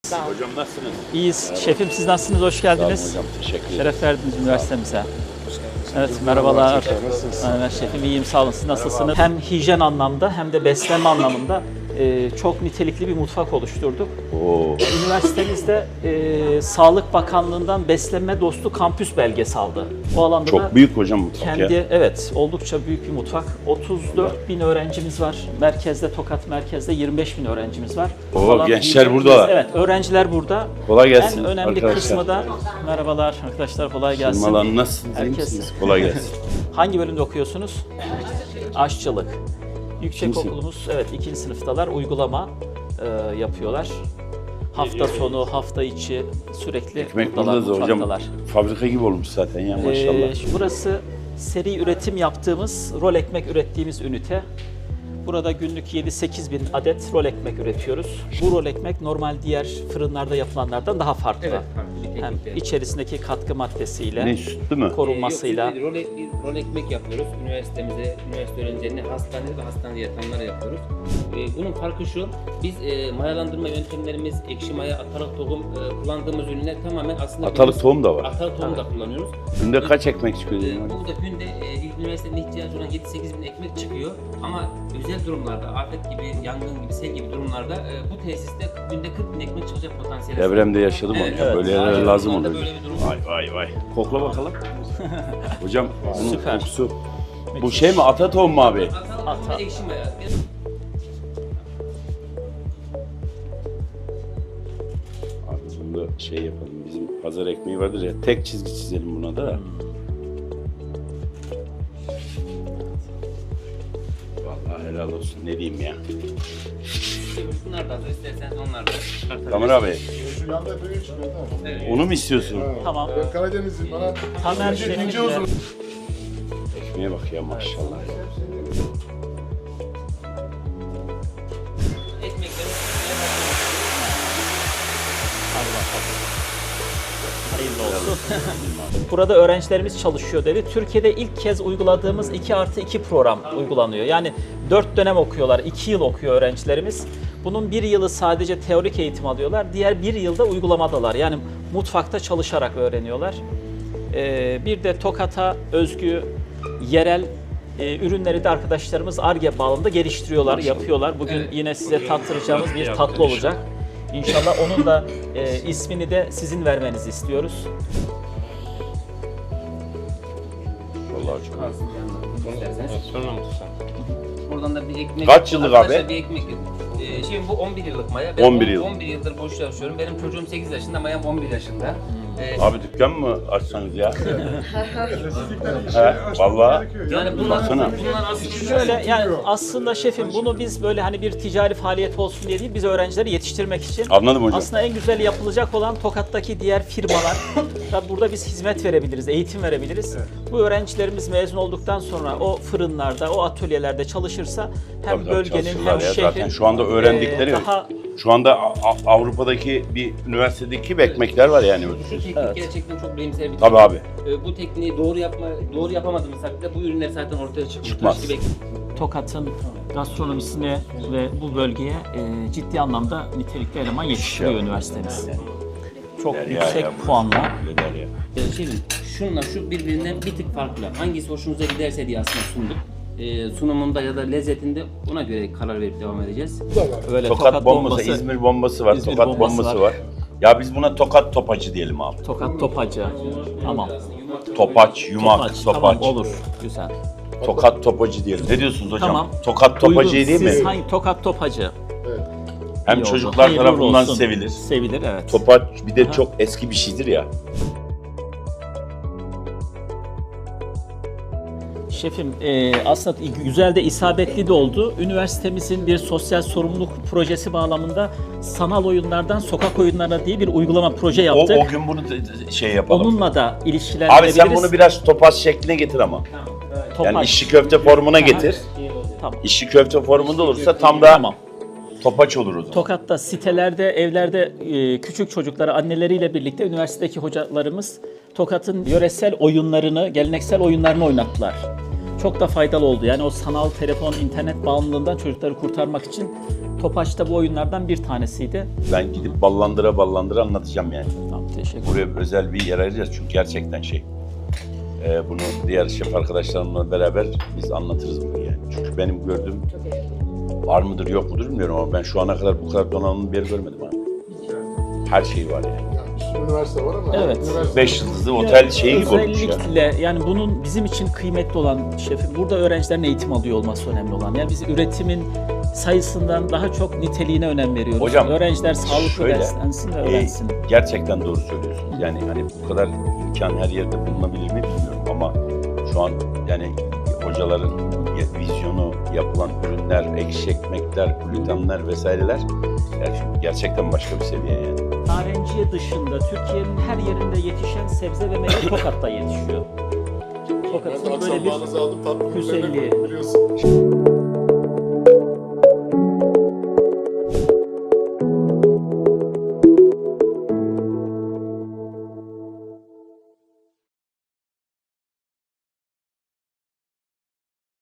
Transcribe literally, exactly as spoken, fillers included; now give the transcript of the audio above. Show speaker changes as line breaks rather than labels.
Hocam nasılsınız?
İyiyiz. Şefim siz nasılsınız? Hoş geldiniz.
Sağ olun hocam, teşekkür ederim.
Şeref verdiniz üniversitemize. Evet, merhabalar. Evet, şefim iyiyim, sağ olun. Siz nasılsınız? Hem hijyen anlamda hem de beslenme anlamında e, çok nitelikli bir mutfak oluşturduk.
Oo.
Üniversitemizde e, Sağlık Bakanlığı'ndan beslenme dostu kampüs belgesi aldı. O alanda da
Çok büyük hocam mutfak
kendi,
ya.
evet, oldukça büyük bir mutfak. otuz dört bin öğrencimiz var. Merkezde, Tokat merkezde yirmi beş bin öğrencimiz var.
Oo,
Falan
gençler
büyük-
buradalar.
Evet, öğrenciler burada.
Kolay gelsin
En önemli
arkadaşlar.
kısmı da, merhabalar arkadaşlar, kolay gelsin.
Sırmalan nasılsınız? iyi
Herkes-
misiniz? Kolay gelsin.
Hangi bölümde okuyorsunuz? Aşçılık. Yüksek
Kimsin?
okulumuz, evet, ikinci sınıftalar, uygulama e, yapıyorlar. Hafta sonu, hafta içi sürekli
Ekmek
buradalar,
burada da hocam.
mutfaktalar.
Fabrika gibi olmuş zaten ya maşallah.
Ee, şu- burası seri üretim yaptığımız, rol ekmek ürettiğimiz ünite. Burada günlük yedi sekiz bin adet rol ekmek üretiyoruz. Bu rol ekmek normal diğer fırınlarda yapılanlardan daha farklı.
Evet, farklı bir
Hem
teknikle.
içerisindeki katkı maddesiyle,
Ne sütlü mü?
korunmasıyla.
Ee, yok, biz rol, ek- rol ekmek yapıyoruz. Üniversitemize, üniversite öğrencilerine, hastanede ve hastanede yatanlara yapıyoruz. Ee, bunun farkı şu, biz e, mayalandırma yöntemlerimiz, ekşi maya, atalık tohum e, kullandığımız ürünler tamamen aslında...
Atalık
biz-
tohum da var.
Atalık tohum da kullanıyoruz.
Günde kaç ekmek çıkıyor?
Ee,
dedim hocam?
burada günde e, ilk üniversitenin ihtiyacı olan yedi sekiz bin ekmek çıkıyor. Ama özel durumlarda, afet gibi, yangın gibi, sel gibi durumlarda e, bu tesiste günde kırk bin ekmek çıkacak potansiyeli.
Devremde yaşadım
Evet,
onu ya.
evet.
Böyle yerler
Aynen,
lazım
şu anda
oluyor.
böyle bir durum.
Vay vay vay. Kokla bakalım. Hocam bunun
Süper.
kokusu. Bu şey mi? Ata tohum mu abi?
Atalık tohum ve ekşi maya.
Abi bunu da şey yapalım. Bizim pazar ekmeği vardır ya. Tek çizgi çizelim buna da. Vallahi helal olsun. Ne diyeyim ya.
Bunlar da hazır, isterseniz onlar da çıkartabiliriz.
Tamer abi.
Şu yanda böyle çıkıyor değil mi?
Onu mu istiyorsun?
Tamam.
Ben Karadenizliyim bana.
Tamer
İnce-
şefimle-
ince uzun.
Ekmeğe bak ya maşallah.
Ekmekleri
Hadi bakalım. Hayırlı olsun. Burada öğrencilerimiz çalışıyor dedi. Türkiye'de ilk kez uyguladığımız iki artı iki program uygulanıyor. Yani dört dönem okuyorlar, iki yıl okuyor öğrencilerimiz. Bunun bir yılı sadece teorik eğitim alıyorlar. Diğer bir yılda uygulamadalar. Yani mutfakta çalışarak öğreniyorlar. Ee, bir de Tokat'a özgü yerel e, ürünleri de arkadaşlarımız Ar-Ge bağlamında geliştiriyorlar, yapıyorlar. Bugün
Evet.
yine size tattıracağımız bir tatlı olacak. İnşallah onun da e, ismini de sizin vermenizi istiyoruz.
Vallahi çok.
kalsın yanında. İsterseniz. Buradan da bir ekmek.
Kaç yıllık
Arkadaşlar
abi?
Bir ekmek. Ee, şimdi bu on bir yıllık maya. Ben
on bir yıl.
on bir yıldır boş çalışıyorum. Benim çocuğum sekiz yaşında, mayam on bir yaşında. Ee,
Abi dükkan mı açsanız ya? He, vallahi.
yani bunlar,
Baksana.
bunlar aslında
Şöyle yani aslında şefim bunu biz böyle hani bir ticari faaliyet olsun diye değil, biz öğrencileri yetiştirmek için.
Anladım hocam.
Aslında en güzel yapılacak olan Tokat'taki diğer firmalar. Tabii burada biz hizmet verebiliriz, eğitim verebiliriz. Bu öğrencilerimiz mezun olduktan sonra o fırınlarda, o atölyelerde çalışırsa hem
Tabii tabii
bölgenin
çalışırlar
hem
ya.
şehrin
Zaten şu anda öğrendikleri,
e, daha
şu anda A- A- Avrupa'daki bir üniversitedeki gibi ekmekler var yani.
şu teknik gerçekten çok bilimsel bir
Tabii abi.
Ee, bu tekniği doğru yapma, doğru yapamadığımız takdirde bu ürünler zaten ortaya çıkmış.
Çıkmaz.
Taş gibi
Tokat'ın gastronomisine ve bu bölgeye e, ciddi anlamda nitelikli eleman yetiştiriyor
İnşallah.
üniversitemiz. Çok
Der ya
yüksek
ya.
puanla.
Öyle der ya.
Ee, Şimdi şunla şu birbirinden bir tık farklı. Hangisi hoşunuza giderse diye aslında sunduk. Ee, sunumunda ya da lezzetinde ona göre karar verip devam edeceğiz.
Böyle
Tokat, bombası, İzmir bombası var,
İzmir
Tokat
bombası
bombası
var.
var. Ya biz buna Tokat topacı diyelim abi.
Tokat topacı. Tamam.
Topaç, yumak,
Topaç,
topaç.
tamam olur. Güzel.
Tokat topacı diyelim. Ne diyorsunuz hocam?
Tamam.
Tokat topacı
Uygun.
değil mi?
Siz hangi Tokat topacı?
Hem
İyi oldu.
çocuklar
Hayırlı
tarafından
olsun.
sevilir.
Sevilir, evet.
Topaç bir de
Aha.
çok eski bir şeydir ya.
Şefim e, aslında güzel de isabetli de oldu. Üniversitemizin bir sosyal sorumluluk projesi bağlamında sanal oyunlardan sokak oyunlarına diye bir uygulama proje
O,
yaptık.
o gün bunu da- şey yapalım.
Onunla da ilişkilendirebiliriz.
Abi sen bunu biraz topaç şekline getir ama.
Topaç.
Yani işçi köfte formuna getir.
Tamam.
İşçi köfte formunda olursa tam da
Tamam.
topaç olur o zaman.
Tokat'ta sitelerde, evlerde e, küçük çocukları anneleriyle birlikte üniversitedeki hocalarımız Tokat'ın yöresel oyunlarını, geleneksel oyunlarını oynattılar. çok da faydalı oldu. Yani o sanal telefon, internet bağımlılığından çocukları kurtarmak için Topaç da bu oyunlardan bir tanesiydi.
Ben gidip ballandıra ballandıra anlatacağım yani.
Tamam, teşekkür ederim.
Buraya özel bir yer ayıracağız çünkü gerçekten şey. E, bunu diğer şef arkadaşlarımla beraber biz anlatırız bunu yani. Çünkü benim gördüğüm var mıdır yok mudur bilmiyorum ama ben şu ana kadar bu kadar donanımlı bir yer görmedim abi. Her şey var yani.
Yani bir sürü üniversite var ama.
Evet.
üniversite-
Beş yıldızlı otel şeyi gibi olmuş ya.
Özellikle yani bunun bizim için kıymetli olan şefim, burada öğrencilerin eğitim alıyor olması önemli olan. Yani biz üretimin sayısından daha çok niteliğine önem veriyoruz.
Hocam,
Öğrenciler sağlıklı
şöyle,
beslensin ve
e,
öğrensin.
gerçekten doğru söylüyorsunuz. Yani hani bu kadar imkan her yerde bulunabilir mi bilmiyorum ama şu an yani hocaların vizyonu, yapılan ürünler, ekşi ekmekler, glutenler vesaireler yani gerçekten başka bir seviye yani.
Narenciye dışında Türkiye'nin her yerinde yetişen sebze ve meyve Tokat'ta yetişiyor.
Ben
Tokat'ın
akşam
böyle bir
bağınızı aldım, tatlı
güzelliği.
biliyorsun.